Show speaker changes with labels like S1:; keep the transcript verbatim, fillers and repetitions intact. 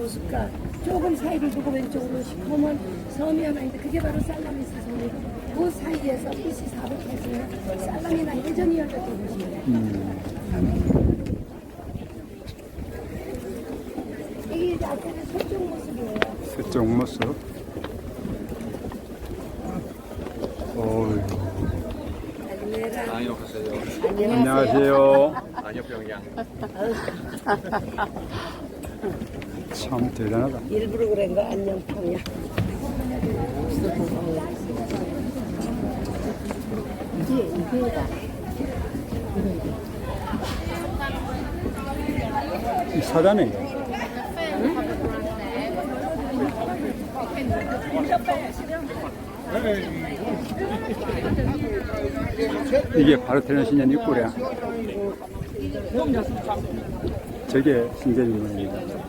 S1: 모습과 조금 사이를 두고 왼쪽으로 시커먼 섬이 하나 있는데 그게 바로 살라미스 섬이고 그 사이에서 비씨 사백 년에 살라미나 해전이 열렸던 곳이에요.
S2: 음.
S1: 이게 이제 앞에는 서쪽 모습이에요.
S2: 서쪽 모습. 어이.
S1: 안녕하세요.
S2: 안녕하세요.
S3: 안녕병양.
S2: 참 대단하다.
S1: 일부러 그런 거 안녕 평야. 이게 이게다.
S2: 이 사자네. 이게 바르테논 신전 입구래. 저게 신전 입구입니다.